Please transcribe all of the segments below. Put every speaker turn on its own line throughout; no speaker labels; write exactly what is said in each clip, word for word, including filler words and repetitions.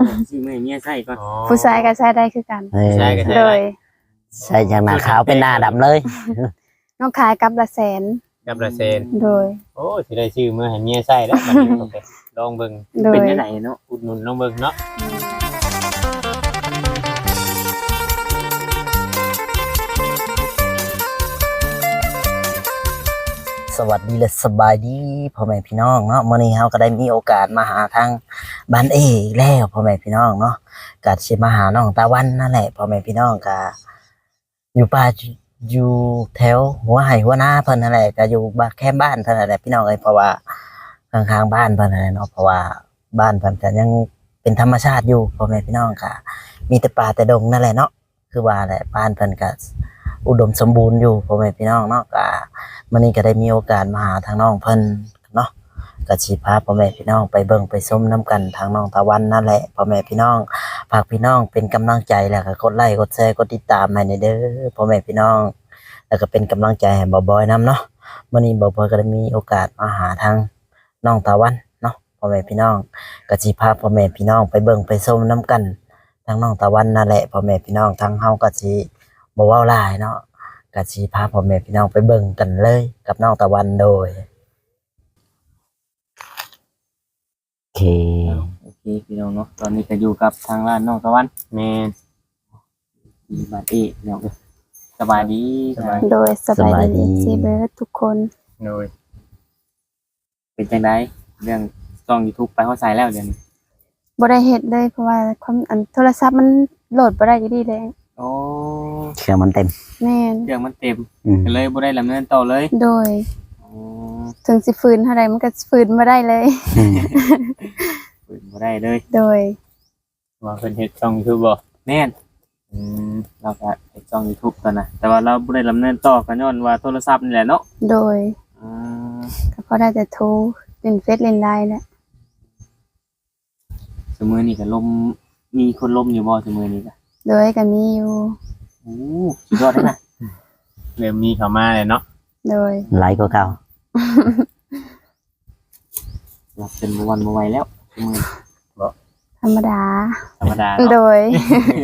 ซื้อมาให้เมียใส่ก่อน
ผู้ชายก็ใช้ได้คือกัน
ใช่ก็ใช่
โดย
ใส่จากหน้าขาวเป็นหน้าดำเลย
น้องขายกับละแสน
กับละเซน
โดย
โอ้สิได้ชื่อมื้อให้เมียใส่แล้วบัดนี้โอเคลองเบิ่ง
โดย
เป็นได้ไหนเนาะ
อุดหนุนลองเบิ่งเนาะ
สวัสดีและสบายดีพ่อแม่พี่น้องเนาะมื้อนี้เฮาก็ได้มีโอกาสมาหาทางบ้านเออีกแล้วพ่อแม่พี่น้องเนาะก็สิมาหาน้องตะวันนั่นแหละพ่อแม่พี่น้องก็อยู่ป่าอยู่แถวหัวไห่หัวนาเพิ่นนั่นแหละก็อยู่บ้านแค่บ้านเพิ่นนั่นแหละพี่น้องเอ้ยเพราะว่าข้างๆบ้านเพิ่นนั่นแหละเนาะเพราะว่าบ้านเพิ่นก็ยังเป็นธรรมชาติอยู่พ่อแม่พี่น้องก็มีแต่ป่าแต่ดงนั่นแหละเนาะคือว่าแหละบ้านเพิ่นก็อุดมสมบูรณ์อยู่พ่อแม่พี่น้องเนาะก็มื้อนี้ก็ได้มีโอกาสมาหาทางน้องเพิ่นเนาะก็สิพาพ่อแม่พี่น้องไปเบิ่งไปชมนํกันทางน้องตะวันนั่นแหละพ่อแม่พี่น้องฝากพี่น้องเป็นกำลังใจแล้วก็กดไลค์กดแชร์กดติดตามให้ในเด้อพ่อแม่พี่น้องแล้วก็เป็นกำลังใจให้บ่าวบอยนํเนาะมื้อนี้บ่าวบอยก็ได้มีโอกาสมาหาทางน้องตะวันเนาะพ่อแม่พี่น้องก็สิพาพ่อแม่พี่น้องไปเบิ่งไปชมนํกันทางน้องตะวันนั่นแหละพ่อแม่พี่น้องทางเฮาก็สิบ่เว้าหลายเนาะก็สิพาพ่อแม่พี่น้องไปเบิ่งกันเลยกับน้องตะวันโดยโอเค
โอเคพี่น้องเนาะตอนนี้ก็อยู่กับทางร้านน้องตะวัน
แม่น
มีบ้านเอเนาะสบายดีสบาย
โดยสบายดีซีเบิร์ดทุกคน
โดย
เป็นจังได๋เรื่องช่อง YouTube ไปเฮาใส่แล้วเดี๋ยวนี้
บ่ได้เฮ็ดเลยเพราะว่าความอันโทรศัพท์มันโหลดบ่ได้อยู่ดีเลย
โอ้
เครื่องมันเต็ม
แม่น
เครื่องมันเต็ม
อืม
ก็เลยบ่ได้ดำเนินต่อเลย
โดย
อ๋อ
ถึงสิฟื้นเท่าใดมันก็ฟื้นบ่ได้เลย
เปิดบ่ได้เลย
โดย
ว่าเพิ่นเฮ็ดช่อง YouTube บ่
แม่น
อืม
เราก็เฮ็ดช่อง YouTube กันนะแต่ว่าเราบ่ได้ดำเนินต่อก็ย้อนว่าโทรศัพท์นี่แหละเนาะ
โดย
อืม
ก็พอได้แต่โทรเล่นเฟซเล่นไลน์แหละ
ซุมื้อนี้ก็ลมมีคนลมอยู่บ่ซุมื้อนี้ก็
โดยก็มีอยู่
โอ้สุดยอดเลยนะ
เริ่มมีเข้ามาแล้วเนาะ
โดย
ไลค์ก็เก่า
หลับเป็นบ่วันบ่ไหวแล้วซุมื้อนี้
ธรรมดา
ธรรมดา
โด
เนาะ
ย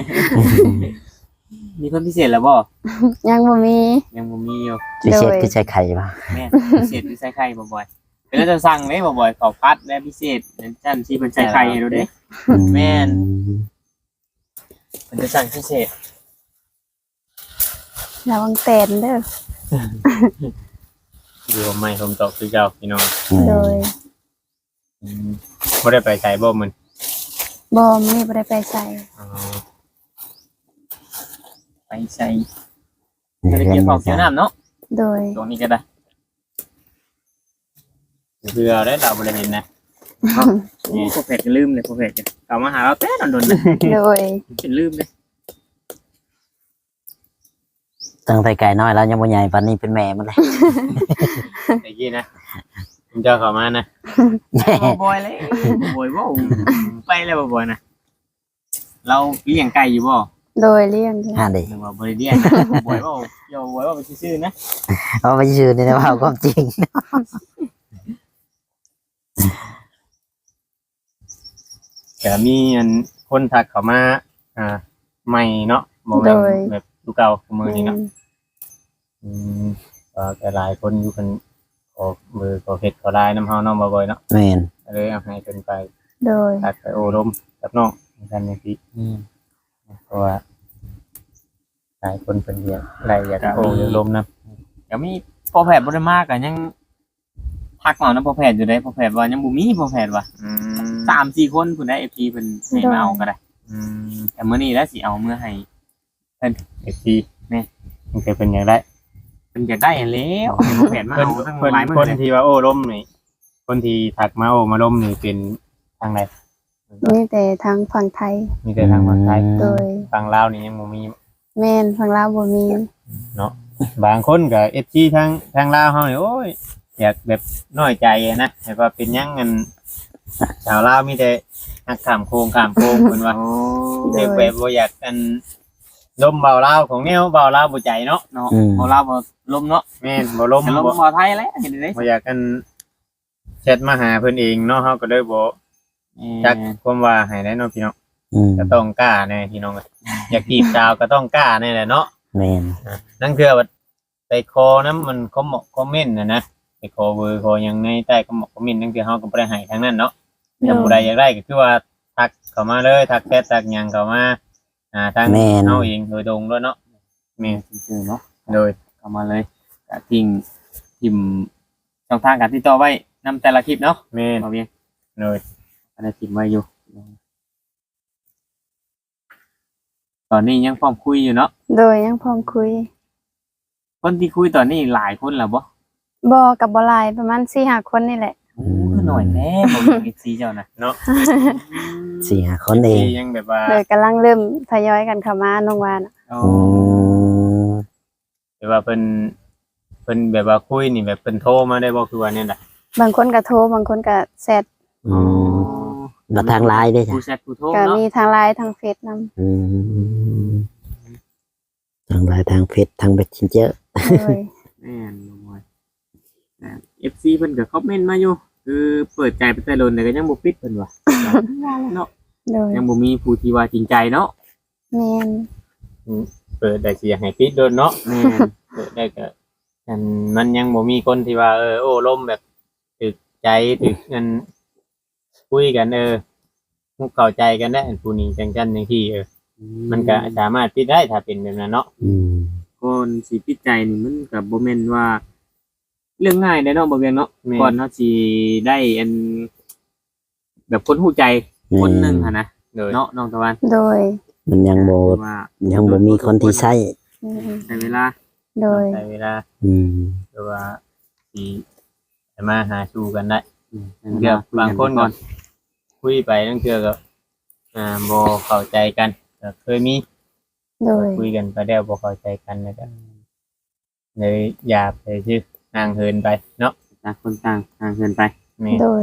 มีคนพิเศษแล้วบ่
ยังบ่มี
ยังบ่มีอยู่
พิเศษคือใช้ไข่ป่ะ
แม่นพิเศษคือใส่ไข่บ่บ่อยเป็นแล้วจะสั่งเด้บ่บ่อยข้าวผัดและพิเศษนั่นจันสิเพิ่นใส่ไข่ให้ดูเด้ แม่น เพิ่นจะสั่งพิเศษ
ระวังแตนเด้อ
อยู่ว่าไม่ผมตอบคือเก่าพี่น้อง
โดย
อืมบ่ได้ไปไสบ่มื้อ
บ่มีบ่ได้ไปใส่
อ๋อ
ไปใส่ก็ได้เกี่ยวของเกี่ยวน้ำเนาะ
โดย
ตรงนี้ก็ได้
เพื่อได้เราบ่ได้เห็นนะ
นี่พวกเพจก็ลืมเลยพวกเพจก็เอามาหาเราแต่โดนๆนะ
โดย
เป็นลืมเลย
ตั้งแต่ไก่น้อยแล้วยังบ่ใหญ่ปานนี้เป็นแม่มันเลย
ไอ้กี้นะผมจะเข้ามานะ
แม่
บ่บ่อยเลยบ่อยบ่ไปแล้วบ่บ่อยนะเราเลี้ยงไก่อยู่บ่
โดยเลี้ยงอยู่
อ่าดิ
หรือว่าบ่ได้เลี้ยงบ่อยบ่อย่าบ่อยบ่ไปซื่อๆนะ
เอาไปชื่อนี่นะว่าความจริง
ก็มีอันคนทักเข้ามาอ่าใหม่เนาะบ่แม่นแบบลูกเก่าของมื้อนี้เนาะ อืมก็แต่หลายคนอยู่กันขอมือขอเฮ็ดขอได้น้ำเฮาน้องบ่อยๆเนาะ
แม่น
ก็เลยเอาให้เพิ่นไป
โดย
ตัดไปโอรมกับน้องในการจังซี่
อืม
เพราะว่าหลายคนเพิ่นอยากได้อยากโออยากลมนะ
ก็มีพอแพทย์บ่ได้มากก็ยังทักมานํพอแพทย์อยู่ได้พอแพทย์ว่ายังบ่มีพอแพทย์ว่า
อืม
สามสี่คนพุ่นได้ เอฟ พี เพิ่นให้มาเอาก็ได้
อืม
แต่มื้อนี้แล้วสิเอามื้อให้
เอฟซีแม่มันเคยเป็นอยากได้
เพิ่นอยากได้อันแล้วให้พอแพทย์มา
เพิ่น
เอาทั้ง
เพิ่น
หลายมื้
ค
อน เลย
ที่ว่าโอ้ลมนี่คนที่ทักมาโอ้มาลมนี่เป็นทางไหน
มีแต่ทางฝั่งไทย
มีแต่ทางภาคไทย
โดย
ฝั่งลาวนี่ยังบ่มี
แม่นฝั่งลาวบ่มี
เนาะบางคนก็เอฟซีทางทางลาวเฮานี่โอ้ยอยากแบบน้อยใจอะนะแต่ว่าเป็นหยังกันชาวลาวมีแต่หักข้ามโค้งข้ามโค้งเพิ่นว่า
โอ้
โด
เด็
ย
กแบบบ่อยากกันลมเบาลาวของแนวเบาลาวบ่ใจเนาะ
เนาะบ่ลาวบ่ลมเนาะ
แม่นบ่ลม
แต่ลม
บ่
บ่ไทยแล้วเห็นได้
บ่อยากกันแชทมาหาเพิ่นเองเนาะเฮาก็เลยบ่จักความว่าให้ได้เนาะพี่น้อง
อืม
ก็ต้องกล้าแน่พี่น้องอยากจีบสาวก็ต้องกล้าแน่แหละเนาะ
แม่น
นั่นคือว่าไปคอน้ำมันก็เหมาะคอมเมนต์นะนะไปคอเบอร์คอยังในใต้ก็เหมาะคอมเมนต์นั่นคือเฮาก็บ่ได้ให้ทางนั้นเนาะถ้าผู้ใดอยากได้ก็คือว่าทักเข้ามาเลยทักแชททักหยังเข้ามาอ่าทางเฮาเองโดยตรงด้วยเนาะแม่น
เจอเนาะ
โดย
เข้ามาเลยก็ทิ้งทิมช่องทางการติดต่อไว้นำแต่ละคลิปเนาะ
แม่น
เอาเพียง
โดย
ก็ได้ทิมไว้อยู่ ตอนนี้ยังพร้อมคุยอยู่เนาะ
โดยยังพร้อมคุย
คนที่คุยตอนนี้หลายคนแล้วบ่
บ่กับบ่หลายประมาณสี่ห้าคนนี่แหละ
โอ้คือหน่อยแน่บ่มีซีเจ้านะ
เนาะ
สี่ห้าคนเอง
ที่ยังแบบว่า
โดยกำลังเริ่มทยอยกันเข้ามาน้องวานะ
โอ้
อืม
แบบว่าเพิ่นเพิ่นแบบว่าคุยนี่แบบเพิ่นโทรมาได้บ่คือว่าเนี่ยน่ะ
บางคนก็โทรบางคนก็แชท
อืมแล้วทางไลน์ด้วยจ้ะ
ผู้แชทผู้โทร
ก็
เนาะ
มีทางไลน์ทางเฟซนำ
อืมทางไลน์ทางเฟซทางเบสชินเจอร์
โดย
แม่นบ่อยนะ เอฟ ซี เพิ่นก็คอมเมนต์มาอยู่คือเปิดใจไปแต่โดนแต่ก็ยังบ่ปิดเพิ่นว่าเนาะ
โดย
ยังบ่มีผู้ที่ว่าจริงใจเนาะ
แม่น
เปิดได้สิอยากให้ปิดโดนเนาะ
แม่น
เปิดได้ก็อันมันยังบ่มีคนที่ว่าเออโอ้ล่มแบบถึกใจถึกกันคุยกันเออมุกเข้าใจกันได้อันผู้นี้จังจันจังที่เออมันก็สามารถปิดได้ถ้าเป็นแบบนั้นเนาะ
อืม
ก่อนสิปิดใจนี่มันก็บ่แม่นว่า เรื่องง่ายเด้เนาะบ่เวียงเนาะก่อนเฮาสิได้อัน แบบคนฮู้ใจคนหนึงหั่นนะ
โดย
เนาะน้องตะวัน
โดย
มันยังโบ
คือว่า
ยังบ่มีคนที่ใช้
อืม
ใช้เวลา
โดย
ใช้เวลา
อืม
หรือว่าสิจะมาหาชูกันได้
อืม
เกือบบางคนก็คุยไปตั้งเกือก็อ่าบ่เข้าใจกันก็เคยมี
โดย
คุยกันไปแล้วบ่เข้าใจกันแล้วก็เลยอย่าไปชื่อห่างเหินไปเนาะ
ต่างคนต่างห่างเหินไป
แม่
โดย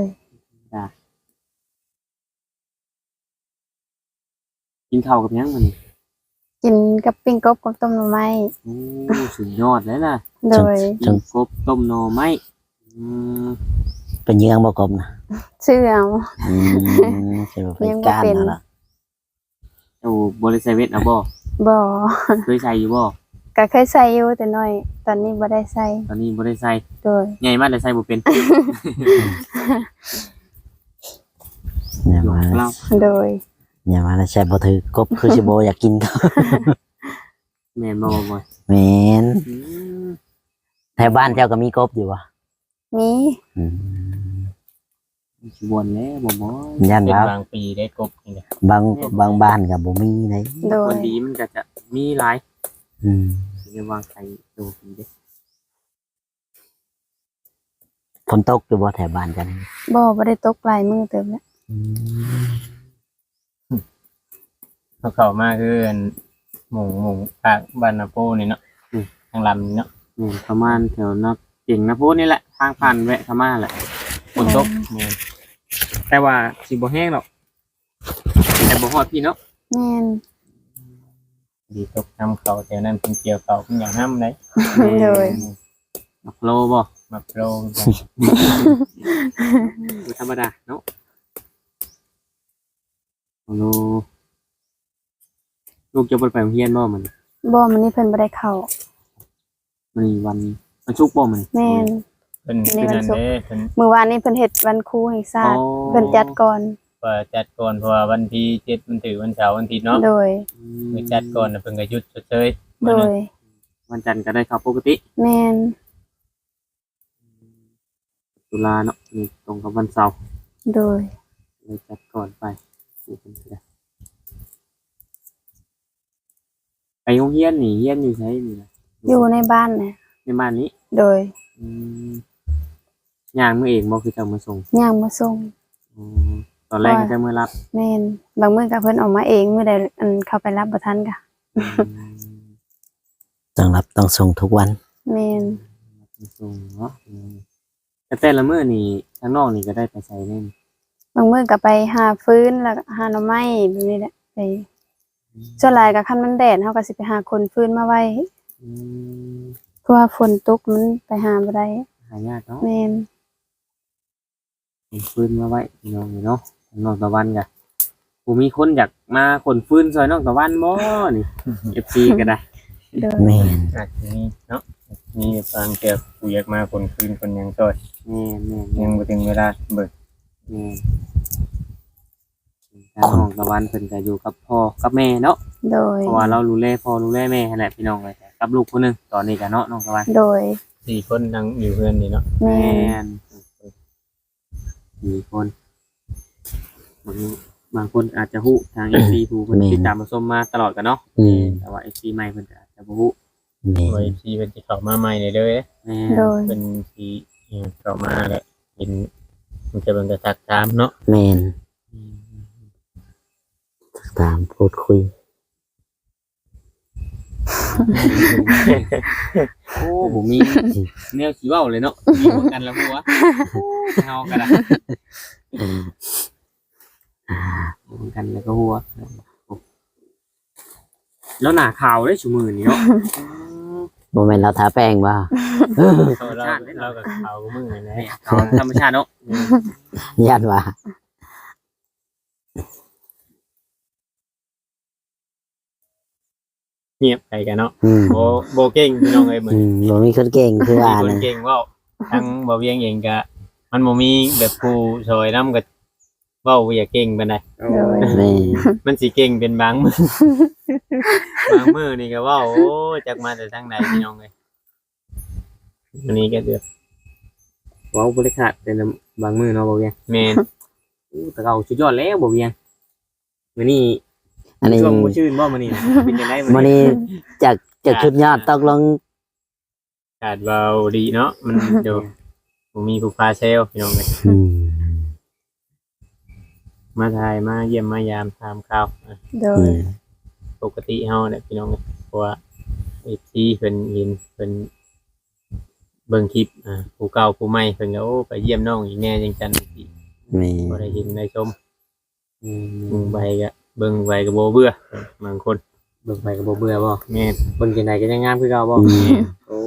กินข้าวกับหยังมัน
กินกับปิ้งกบกับต้มหน่อไม้
โอ้สุดยอดเลยนะ
โดย
กินกบต้มหน่อไม้อืม
เป็นยังบ่กบนะ
ชื่อเอา
อืมใช่บ่เป็นการนั่นล่ะ
เจ้าบริษัทเวทเอาบ่
บ่
เคยใส่อยู่บ่
ก็เคยใส่อยู่แต่น้อย ตอนนี้บ่ได้ใส่
ตอนนี้บ่ได้ใส่
โดย
ใหญ่มากแต่ใส่บ่เป็น
อย่ามา
เรา
โดย
อย่ามาแล้วใช่บ่ถือกบคือสิบ่อยากกินก็
แม่นบ่บ่อย
แม่น
อืม
แถวบ้านเจ้าก็มีกบอยู่บ่
มี
อืม
สิบ่นแล้วบ่บ่อย
ย่าน
เป็น
ว่า
บางปีได้กบนี่แหละ
บางบางบ้านก็บ่มีเลย
โด
ค
ย
นดีมันก็จะมีหลาย
อืม
สิได้วางใส่ตัวดีเด้
ฝนตกอยู่บ่แถวบ้านกัน
บ่บ่ได้ตกหลายมื้อเติมแล้ว
อืม
เขาเข้ามาคืออันหมู่หมู่ภาคบ้านนาโปนี่เนาะอืมทางลำนี่เนาะ
แม่นประมาณแถวนักเก่งนะพูดนี่แหละทางผ่านแวะเข้ามาแหละฝนตก
แม่น
แต่ว่าสิบ่แห้งหรอกแต่บ่ฮอดพี่เนาะ
แม่น
ดีตกน้ำเขาแถวนั้นเพิ่นเกี่ยวเขาเพิ่นอย่างห้ำเลย
โดย
มักโลบ่
มาโปรกัน
บ่ธรรมดาเนาะโลลูกจะบ่ไปโรงเรียนบ่มัน
บ่มื้อนี้เพิ่นบ่ได้เข้า
มันวันมันชุกร์บ่มัน
แม่น
เพิ่นคือนั่นเด้เพิ่น
มื้อวานนี้เพิ่นเฮ็ดวันครูแห่งชาติ
อ๋อ
เพิ่นจัดก่อน
ว่าจัดก่อนเพราะว่าวันที่เจ็ดมันถือวันเสาร์วันอาทิตย์เนาะ
โดย
อืม
คือจัดก่อนน่ะเพิ่นก็หยุดชดเชย
โดย
วันจันทร์ก็ได้เข้าปกติ
แม่น
ตุลาเนาะนี่ตรงกับวันเสาร์
โดย
เลยจัดก่อนไปนี่เป็นไปได้ไปโรงเรียนนี่เรียนอยู่ไสนี่นะ
อยู่ในบ้านน่ะ
ในบ้านนี้
โดย
อืมย่างมือเองบ่คือเจ้ามาส่ง
ย่างมาส่ง
อ๋อตอนแรกก็จะมือรับ
แม่นบางมื้อก็เพิ่นออกมาเองมื้อใดอันเข้าไปรับบ่ทันก็
ต้องรับต้องส่งทุกวัน
แม่น
มาส่งเนาะอืมแต่แต่ละมื้อนี่ทางนอกนี่ก็ได้ไปใส่แน่น
บางมื้อก็ไปหาฟืนแล้วก็หาหน่อไม้แบบนี้แหละไปส่วนหลายก็คันมันแดดเฮาก็สิไปหาคนฟืนมาไว้
อืม
เพราะว่าฝนตกมันไปหาบ่ได้
หายากเนาะ
แม่น
เอาฟืนมาไว้พี่น้องนี่เนาะทางนอกตะวันก็บ่มีคนอยากมาคนฟื้นซอยน้องตะวันบ่นี่ เอฟ ซี ก็ได้
โดย
แม่น
อาจจะมีเนาะมีบางเกี่ยวกูอยากมาคนคืนคนหยังซอย
แม่นแม่น
ยังบ่ถึงเวลาเบิก
แม่นทางน้องตะวันเพิ่นก็อยู่กับพ่อกับแม่เนาะ
โดย
เพราะว่าเราดูแลพ่อดูแลแม่นั่นแหละพี่น้องเลยกับลูกคนหนึงตอนนี้ก็เนาะน้องตะวัน
โดย
สี่คนนั่งอยู่เพื่อนนี่เนาะ
แม่
แม่
น
นมีคนบางบางคนอาจจะฮู้ทาง เอฟ ซี ผู้เพิ่นติดตามมาชมมาตลอดกันเนาะ
อืม
แต่ว่า เอฟ ซี ใหม่เพิ่นก็อาจจะบ่ฮู้
แม่น
ไว้ที่เป็นที่เข้ามาใหม่เลยเด้อ
แม่
โดย
เป็นที่เข้ามาแหละเป็นมันจะเป็นกระทักตามเนาะ
แม่นตามพูดคุย
โอ้บ่มีแนวสิเว้าเลยเนาะมีเหมือนกันแล้วฮู้วะเฮาก็ได้เหมือนกันแล้วก็ฮู้วะแล้วหน้าขาวได้ชุมื้อนี้เนาะ
บ่แม่นเราทาแป้งบ่
เราเราเรากับเขามือนะ
นี่เอาธรรมชาติเนาะ
ญาติว่า
เงียบไปกันเนาะ
อืม
โบโบเก่งพี่น้องเอ้ยเหมือน
อืมบ่มีคนเก่งคือว่า
มีคน
นะ
เก่งเว่าทั้งบ่เวียงเองก็มันบ่มีแบบผู้ซอยนำก็เว้าอย่าเก่งปานใด
โอ้
แม่
มันสิเก่งเป็นบางมื้อ บางมื้อนี่ก็เว้าโอ้จักมาแต่ทางไหนพี่น้องเอ้ยอันนี้ก็เดือด
เว้าบ่ได้ขาดแต่บางมื้อเนาะบ่เวียง
แม่น
อู้แต่เก่าสุดยอดแล้วบ่เวียงมื้อนี้
อันนี้
ช่วงบ่ชื่นบ่มื้อนี้เป็นจังได๋
มื้อนี้จากจากชุดยอดตกลง
ขาดเว้าดีเนาะมันเดี๋ยวบ่มีผู้พาเซลพี่น้องเอ้ย
อืม
มาถ่ายมาเยี่ยมมายามถามข่าวอ่ะ
โด
อื
ย
ม
ปกติเฮาเนี่ยพี่น้องเนี่ยเพราะว่าไอ้ที่เพิ่นเห็นเพิ่นเบิ่งคลิปอ่าผู้เก่าผู้ใหม่เพิ่นก็โอ้ไปเยี่ยมน้องอีกแน่จังจันอีก
แม่
บ่ได้เห็นได้ชม
อื
เบิ่ง
ม
ไปก็เบิ่งไปก็บ่เบื่อบางคน
เบิ่งไปก็บ่เบื่อบ่
แม่น
เบิ่งจังไดก็ยังงามคือเก่าบ่
อืม
โอ้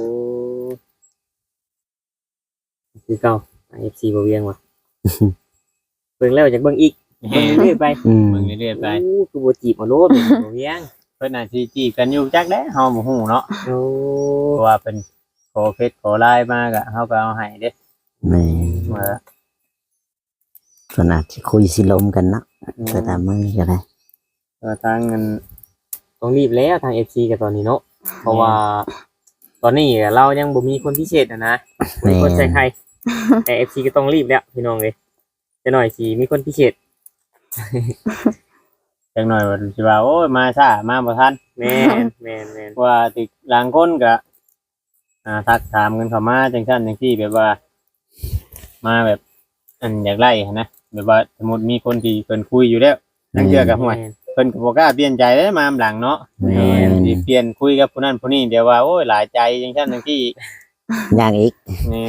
คือเก่า เอฟ ซี บ่เวียงว่ะเบิ่งแล้วอยากเบิ่งอีก
แม่
เบิ่ง
น
เรื่อยๆไป
อืม
เบิ่งเรื่อยๆไป
โอ้คือบ่จีบเอาโลดบ่เวียง
เพิ่นน่าสิจีบกันอยู่จักแด้เฮาบ่ฮู้เนาะ
โอ้
เพราะว่าเพิ่นขอเฟซขอไลน์มาก็เฮาก็เอาให้เด้
แม่
ว่า
ก็น่าจะคุยสิลมกันเนาะก็ตามมือก็ได้
เออทางเงิน
ต้องรีบแล้วทาง เอฟ ซี กับตอนนี้เนาะเพราะว่า ตอนนี้เรายังบ่มีคนพิเศษนะนะบ่มีคนใส่ใครแต่ เอฟ ซี ก็ต้องรีบแล้วพี่น้องเอ้ยจะหน่อยสิมีคนพิเศษ
จักหน่อยว่าสิว่าโอ้ยมาช้ามาบ่ทัน
แม่นแม่นแม่น
ว่าติดหลังคนก็อ่าทักถามกันเข้ามาจังซั่นจังซี่แบบว่า มาแบบ อันอยากไล่หั้นนะแบบว่าสมมุติมีคนที่เพิ่นคุยอยู่แล้วจังเทื่อก็ห่วย
แม่น
เพิ่นก็บ่กล้าเปลี่ยนใจเด้มาหลังเนาะ
แม่น
สิเปลี่ยนคุยกับผู้นั้นผู้นี้เดี๋ยวว่าโอ้ยหลายใจจังซั่นจังซี่
ย่างอีก
นี่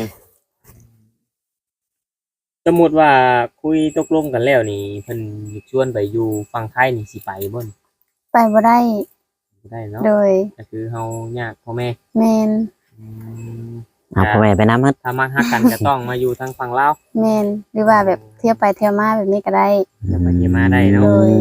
สมมุติว่าคุยตกลงกันแล้วนี่เพิ่นชวนไปอยู่ฝั่งไทยนี่สิไปบ่น
ไปบ่ได้
บ่ได้เนาะ
โดย
ก็คือเฮายากพ่อแม่
แม่น
อืม
เอาพ่อแม่ไปน้ำมัด
ถ้ามักฮักกันก็ต้องมาอยู่ทางฝั่งลาว
แม่นหรือว่าแบบเที่ยวไปเที่ยวมาแบบนี้ก็ได้
เดี๋ยวไปเยี่ยมมาได้เนาะ
โดย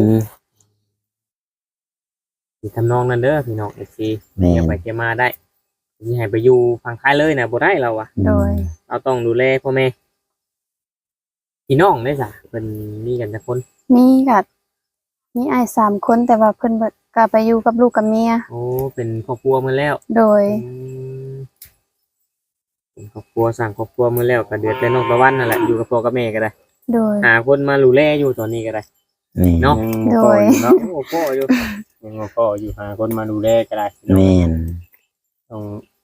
สิทำนองนั้นเด้อพี่น้อง เอฟ ซี
แม่
เดี๋ยวไปเยี่ยมมาได้สิให้ไปอยู่ฝั่งไทยเลยน่ะบ่ได้เราอะ
โดย
เราต้องดูแลพ่อแม่พี่น้องได้ซะเพิ่นมีกันจักคน
มีกับมีอ้ายสามคนแต่ว่าเพิ่นเบิดก็ไปอยู่กับลูกกับเมีย
โอ้เป็นครอบครัวมาแล้ว
โดย
อืมเป็นครอบครัวสร้างครอบครัวมาแล้วก็เดือดแต่น้องตะวันนั่นแหละอยู่กับพ่อกับแม่ก็ได้
โดย
หาคนมาดูแลอยู่ตอนนี้ก็ได้
แม่
เนาะ
ยังบ่พออยู่เนาะ
โอ้พ่ออยู่
ยังบ่พออยู่หาคนมาดูแลก็ได้
แม่น
ต้อง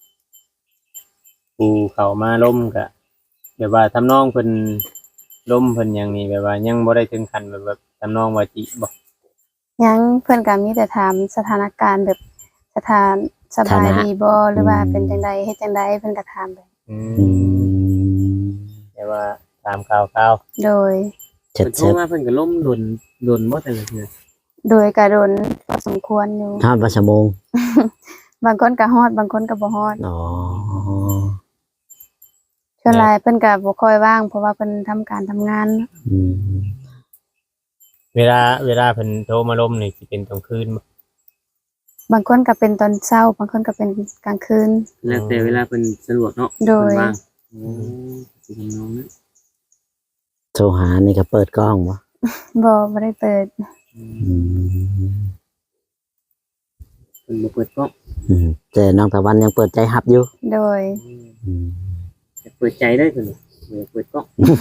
ผู้เข้ามาล้มก็แบบว่าทำนองเพิ่นล้มเพิ่นหยังนี่แบบว่ายังบ่ได้ถึงขั้นแบบแบบทำนองว่าจิบ่
ยังเพิ่นก็มีแต่ถามสถานการณ์แบบสถานสบายดีบ่หรือว่าเป็นจังไดเฮ็ดจังไดเพิ่นก็ถามไป
อื
อื
ม
ม
แต่ว่าตามข่าวข่าว
โดย
เจ็ด
เพิ่นโทร
เจ็ด
มาเพิ่นก็ล้มดนดนบ่แต่ละเทื่อ
โดยกระโดนพอสมควรอยู่
ทอดปลาชะโมง
บางคนก็ฮอดบางคนก็บ่ฮอด
อ๋อ
ส่วนหลายเพิ่นก็บ่ค่อยว่างเพราะว่าเพิ่นทำการทำงาน
อืม
เวลาเวลาเพิ่นโทรมาลมนี่สิเป็นตอนคืนบ่
บางคนก็เป็นตอนเช้าบางคนก็เป็นกลางคืน
แล้วแต่เวลาเพิ่นสะดวกเนาะ
โดย
เพิ่นว่างโอ้สิทำนองนั้น
โทรหานี่ก็เปิดกล้องบ่
บ่บ่ได้เปิด
อืม
เพิ่นบ่เปิดกล้อง
อืมแต่น้องตะวันยังเปิดใจฮับอยู่
โดย
อืม
แต่เปิดใจได้เพิ่นบ่เปิดกล้อง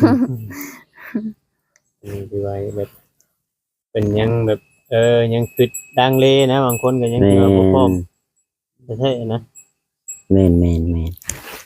นี่คือว่าแบบเป็นยังแบบเออยังคิดดังเลนะบางคนก็ยัง
แม่
คิดว่าบ่พร้อม
น
แท้ๆนะ
แม่นแม่นแม่น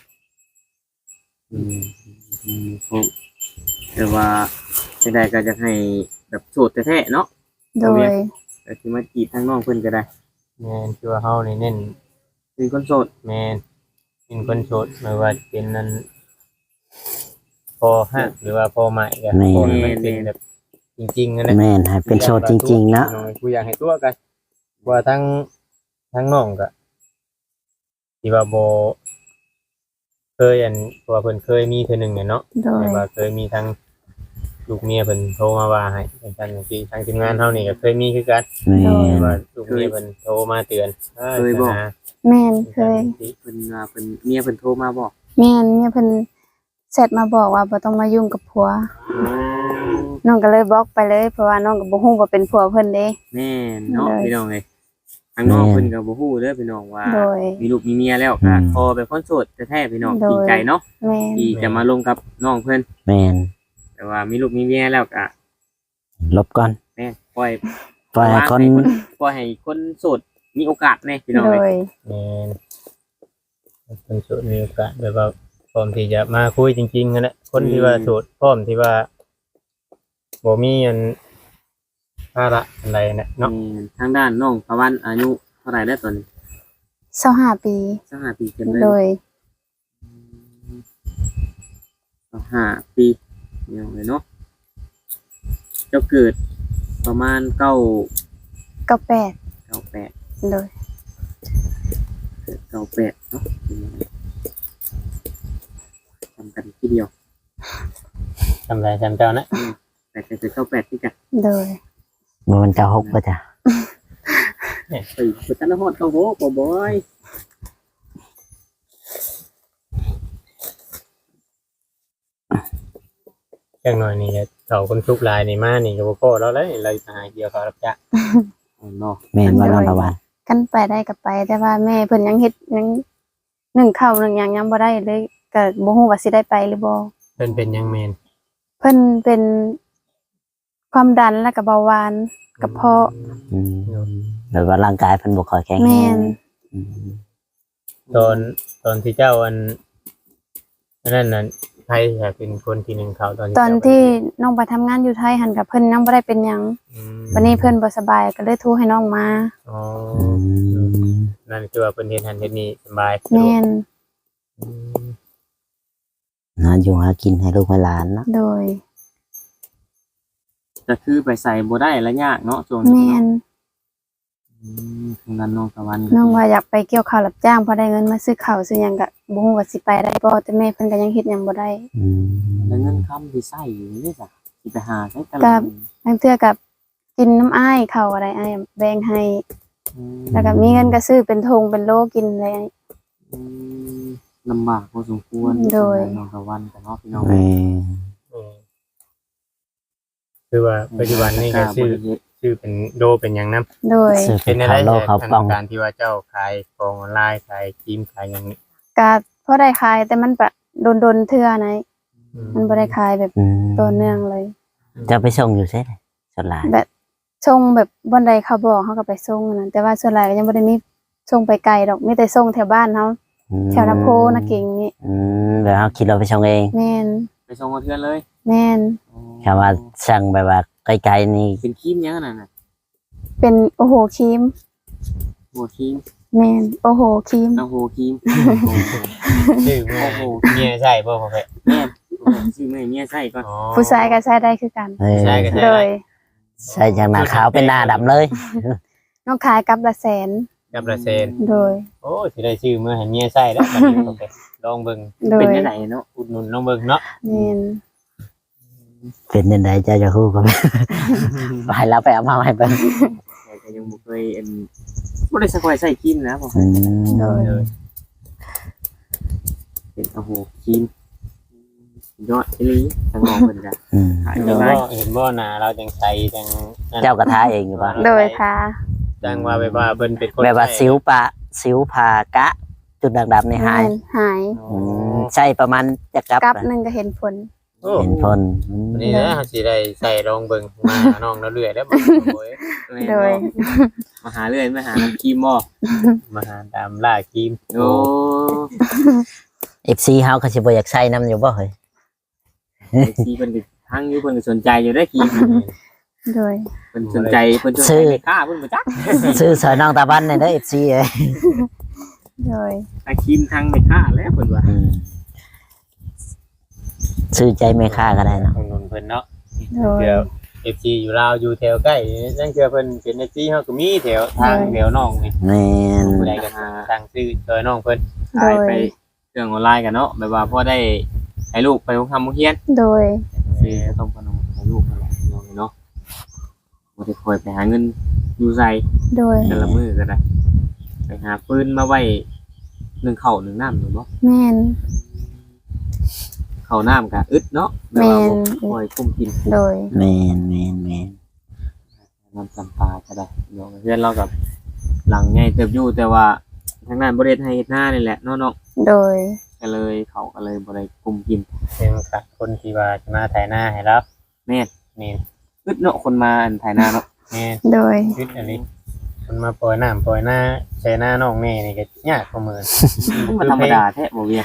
อืมอืมผมแต่ว่าจังไดก็จะให้แบบโสดแท้ๆเนาะ
โดย
ก็สิมาจีบทางน้องเพิ่นก็ได้
แม่นคือว่าเฮานี่เน้น
เป็นคนโสด
แม่นเป็นคนโสดไม่ว่าจะเป็นนั้นพอฮักหรือว่าพอใหม่ก็พอให้มันเป็นแบบจริงๆนะนะ
แม่นให้เป็นโสดจริงๆนะ
กูอยากให้ตัวกันว่าทั้งทั้งน้องก็ที่ว่าบ่เคยอันว่าเพิ่นเคยมีเทื่อหนึงเนี่ยเนาะ
โดย
แต่ว่าเคยมีทั้งลูกเมียเพิ่นโทรมาว่าให้เป็นกันอย่างที่ทางทีมงานเฮานี่ก็เคยมีคือกัน
แม่
แต่
น
ว่าลูกเมียเพิ่นโทรมาเตือนเอ้ยนะ
แม่นเคย
เพิ่นว่าเพิ่นเมียเพิ่นโทรมาบอก
แม่นเนี่ยเพิ่นแชทมาบอกว่าบ่ต้องมายุ่งกับผัว น้องก็เลยบล็อกไปเลยเพราะว่าน้องก็บ่ฮู้ว่าเป็นผัวเพิ่นเด้
แม่นเนาะ
เลย
พี่น้องเอ้ยทางน้องเพิ่นก็บ่ฮู้เด้อพี่น้องว่า
โดย
มีลูกมีเมียแล้วก็พอเป็นคนโสดแท้ๆพี่น้อง
โดย
ดีใจเนาะ
แม่น
ที่จะมาลงกับน้องเพิ่น
แม่น
แต่ว่ามีลูกมีเมียแล้วก็
ลบก่อน
แม่นปล่อย
ปล่อยให้คน
ปล่อยให้คนโสดมีโอกาสแน่พี่น้อง
โด
เอ้ย
ย
แม่นเพิ่นโสดมีโอกาสแบบว่าพร้อมที่จะมาคุยจริงๆนั่นแหละคนที่ว่าโสดพร้อมที่ว่าบ่มีอันภาระอะไรนะเนาะ
แม่นทางด้านน้องตะวันอายุเท่าไหร่แล้วตอนนี้
ยี่สิบห้าปี
สิบห้าปีเต็มเลย
โดย
สิบห้าปีพี่น้องเอ้ยเนาะเจ้าเกิดประมาณเก้า
เก้าแปด
เก้าแปด
โดย
เกิดเก้าแปดเนาะทำกันทีเดียว
ทำไรจำเจ้านะ
แต่เกิดเก้าแปดที่กัน
โดย
บ่มันเก้าหกบ่จ้ะ
ไปสุดกันฮอดเก้าโหกบอย
จังหน่อยนี่เขาคนทุกลายนี่มานี่ก็บ่พอแล้วเลยเราจะหาเกี่ยวเขารับจ้าง
อ๋อเนาะ
แม่นว่าน้องตะวัน
กันไปได้ก็ไป แต่ว่าแม่เพิ่นยังเฮ็ดยังหนึ่งข้าวหนึ่งหยังยังบ่ได้เลยก็บ่ฮู้ว่าสิได้ไปหรือบ่
เพิ่นเป็นหยังแมน
เพิ่นเป็นความดันและก็เบาหวานกระเพาะ
อืมแบบว่าร่างกายเพิ่นบ่ค่อยแข็ง
แม่
แรง
น
อืม
ตอนตอนที่เจ้าอันอันนั้นน่ะใครจะเป็นคนที่หนึ่งเขาตอนที่
ตอน
เจ้า
ที่น้องไปทำงานอยู่ไทยหันกับเพิ่นยังบ่ได้เป็นหยัง
อืม
วันนี้เพิ่นบ่สบายก็เลยโทรให้น้องมา
อ๋อ
อืม
นั่นคือว่าเพิ่นเฮ็ดหันเฮ็ดนี่สบาย
แม่น
อืม
หาอยู่หากินให้ลูกให้หลานเนาะ
โดย
ก็คือไปใส่บ่ได้และยากเนาะช่วง
แม่
นี้
น
อืมทางด้านน้องตะวัน
น้องว่าอยากไปเกี่ยวข้าวรับจ้างพอได้เงินมาซื้อข้าวซื้อหยังก็บ่ฮู้ว่าสิไปได้บ่แต่แม่เพิ่นก็ยังเฮ็ดหยังบ่ได้
อืม
แล้วเงินคำที่ใส่อยู่นี่จ้ะสิไปหาใช้กัน
ครับ บางเทื่อกับกินน้ำอ้ายข้าวอะไรอ้ายแบ่งให้
อืม
แล้วก็มีเงินก็ซื้อเป็นธงเป็นโลกินอะไร
อืมลำบากพอสมควร
โดย
ทางด้านน้องตะวันกับเนาะพี่น้อง
แม่
อืมคือว่าปัจจุบันนี่ก็ชื่อชื่อเป็นโดเป็นหยังนํ
โดย
ซื้อ
เป็น
ข้า
อะไร
วโลก
แต่
ข้าวกล่อง
การที่ว่าเจ้าขายของออนไลน์ขายครีมขายหยังนี่
ก็พอได้ขายแต่มันแบบโดนๆเทื่อนะ
อื
มันบ่ได้ขายแบบ
อืม
ต่อเนื่องเลย
จะไปส่งอยู่ใช่ไหมส่วนหลาย
แบบส่งแบบบ่อนใดเขาบอกเขาก็ไปส่งนั่นแต่ว่าส่วนหลายก็ยังบ่ได้มีส่งไปไกลดอกมีแต่ส่งแถวบ้านเฮา
อืม
แถวนาโพนาเก่งนี่
อืมแบบเขาคิดเราไปส่งเอง
แม่น
ไปส่งกับเพื่อนเลย
แม่น
คำว่าสั่งแบบว่าไกลๆนี่
เป็นครีมยังนั่นน่ะ
เป็นโอโหครีม
หัวครีม
แม่นโอโหครีม
น้ำหัวครีม
ชื่อแม่เมียใช่บ่พ่อแม่
แม่ซื้อแม่เมียใส่ก่อน
อ๋อ
ผู้ชายก็ใช้ได้คือกัน
เออ
ใช่ก็ใช่
โดย
ใส่จากหน้าขาวเป็นหน้าดำเลย
น้องขายกับละแสน
กับละเซน
โดย
โอ้สิได้ชื่อเมื่อให้เมียใส่แล้วบัดนี้พ่อแม่ลองเบิ่ง
โดย
เป็นได้ไหนเนาะ
อุดหนุนลองเบิ่งเนาะ
แม่น
เป็นจังไดเจ้าจะฮู้ก็ ไปแล้วไปเอามาให้เบิ่ง
แต่ก็ยังบ่เคยอันบ่ได้สักไว้ใส่ครีมนะบ่
อืม
โดย
เป็นโอ้โหครีมยอดอีหลีทางน้องเพิ่นก็
อืม
ขาย
เห็
ได้
น
ห
บ่
ลาย
เห็นบ่หน้าเราจังใสจังนั่น
เจ้ากระทาเองอยู่ป่ะ
โดยทา
จังว่าแบบว่าเพิ่นเป็นคน
แบบว่า
ใช้
สิวปะสิวผากะ จุดดำๆในหาย
แม่นหาย
อืมใช่ประมาณจะกลับ
กับ
นะ
หนึงก็เห็นผล
โอ้
เห็นผลอืม
นี่นะเฮาสิได้ใส่ลองเบิ่งมาหาน้องเราเรื่อยแล้วบ่โอ้ย
โดย
มาหาเรื่อยมาหาน้ำครีมบ่
มาหาตามล่าครีม
โอ้
เอฟซีเฮาก็สิบ่อยากใช้น้ำอยู่บ่เฮ้ย
ไอ้ที่เพิ่นก็ทั้งอยู่เพิ่นก็สนใจอยู่ได้ครีม
โดย
เพิ่นสนใจเพิ่นสนใจไม่กล้าเพิ่นบ่จัก
ซื้อสอยน้องตาบันในเด้อ เอฟ ซี เอ้ย
โดย
ไอ้ครีมทางไม่กล้าแล้วเพิ่นว่า
อืมซื้อใจแม่ค้าก็ได้เนาะ
ของนนเพิ่นเนาะ
โดย
เดี๋ยว เอฟ ซี อยู่ลาวอยู่แถวใกล้นั่นคือเพิ่นเป็น เอฟ ซี เฮาก็มีแถวทางแถวน้องนี่
แม่น
ผู้ใดก็ทางซื้อช่วยน้องเพิ่น
ขายไปเครื่องออนไลน์กันเนาะแบบว่าพอได้ให้ลูกไปโรงทำโรงเรียน
โดย
ซื้อขนมขนมให้ลูกนั่นแหละน้องเนาะบ่ได้คอยไปหาเงินอยู่ไส
โดย
แต่ละมื้อก็ได้ไปหาปืนมาไว้หนึ่งข้าวหนึ่งน้ำหรือบ่
แม่น
ข้าวน้ำก็อึดเนาะแบบว่าบ่คอยคุ้มกิน
โดย
แม่นแม่นแม่น
น้ำจำปาก็ได้เนาะเพื่อนเรากับหลังใหญ่เติบอยู่แต่ว่าทางนั้นบ่ได้ให้เฮ็ดหน้านี่แหละเนาะเนาะ
โดย
ก็เลยเขาก็เลยบ่ได้คุ้มกิน
เป็นกับคนที่ว่าจะมาถ่ายหน้าให้รับ
แม่น
นี่
อึดเนาะคนมาอันถ่ายหน้าเนาะ
แม่
โดย
คิดอันนี้มันมาปล่อยน้ำปล่อยหน้าใช้หน้าน้องนี่นี่ก็ยากกว่ามือ
มันธรรมดาแท้บ่เวียง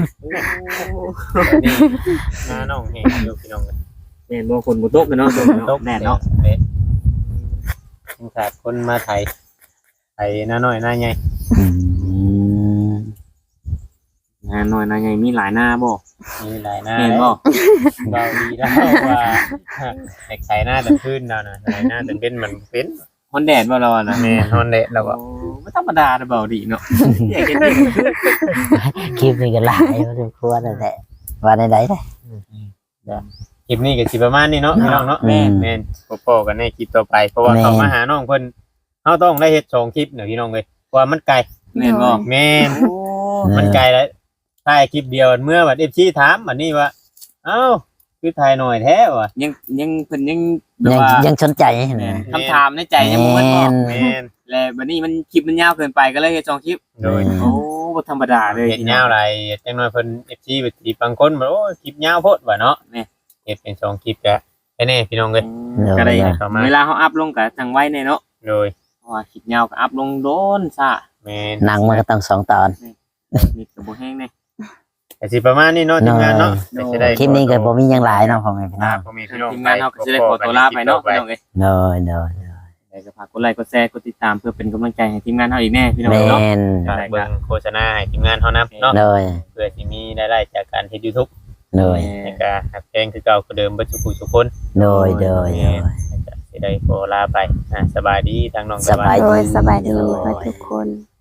นี่หน้าน้องแห้งอยู่พี่น้องกัน
แม่นบ่คนบ่ตกกันเนาะตก
ต
เนาะ
ก
แน่เนาะ
เละต้องขาดคนมาไถไถหน้าน้อยหน้าใหญ่
อืม
งานน้อยนะใหญ่มีหลายหน้าบ่
มีหลายหน้า
แม่นบ่
เบาดีแล้วว่าไอ้ไถหน้าแต่พื้นเราน่ะไถหน้าแต่เป็นมันเป็น
ฮอนแดดบ่เราอะนะ
แม่นอนเละแล้วก็
โอ้บ่ธรรมดาเด้อเบาดีเนาะอยากเห็น
คลิปนี้ก็หลายพอสมควรนั่นแหละว่าในใดได้
คลิปนี้ก็สิประมาณนี้เนาะพี่น้องเนาะ
แม่น
แม่นโปะๆกันในคลิปต่อไปเพราะว่า
แม่น
เขามาหาน้องเพิ่นเฮาต้องได้เฮ็ดสองคลิปเนาะพี่น้องเอ้ยเพราะว่ามันไกล
แม่นบ่
แม่น
โอ้
มันไกลแล้วถ่ายคลิปเดียวเมื่อบัด เอฟ ซี ถามบัดนี้ว่าเอ้าคือถ่ายหน่อยแท้ว่ะ
ยังยังเพิ่นยังแบบ
ยัง
ว่า
ยังสนใจ
แม่
นะ
นคำถามในใจยังบ่หมดบ่
แม่น
แม่น
แล้วบัดนี้มันคลิปมันยาวเกินไปก็เลยเฮ็ดสองคลิป
โดย
โอ้บ่ธรรมดาเลย
เฮ็ดยาวหลายจังน้อยเพิ่น เอฟ ซี ไปสิบางคนบ่โอ้ยคลิปยาวโพดว่าเนาะ
แม่
เฮ็ดเป็นสองคลิปก็แน่ๆพี่น้องเอ้ย
ก็ได้
เข้ามา
เวลาเฮาอัพลงก็จังไว้แน่เนาะ
โดย
เพราะว่าคลิปยาวก็อัพลงโดนซ่า
แม่น
หนังมันก็ต้องสองตอน
นี่ก็บ่แห้งแน่
ก็สิประมาณนี้เนาะทีมงานเนาะ
โดย
ก็สิได้
คลิปนี้ก็บ่มีหยังหลายเนาะพ่อแม่พี่น้
อ่า
อง
บ่มีพี่น้อง
ทีมงานเฮาก็สิได้ขอตัวลาไปเนาะพี่น้องเอ้ย
เด้อเด้อ
ได้ก็ฝากกดไลค์กดแชร์กดติดตามเพื่อเป็นกำลังใจให้ทีมงานเฮาอีกแน่พี่น้อง
แม่
เนาะ
น
ฝากเบิ่งโฆษณาให้ทีมงานเฮานำเนาะ
เด้อ
เพื่อสิมีรายได้จากการเฮ็ด YouTube
เด้อ
แล้วก็หักแพงคือเก่าคือเดิมเบ่ทุกผู้ทุกคน
เด้อเด้อเด้อ
สิได้ขอลาไปอ่าสบายดีทางน้อง
สบาย
โด
ดี
ยสบายดีเพื่อทุกคน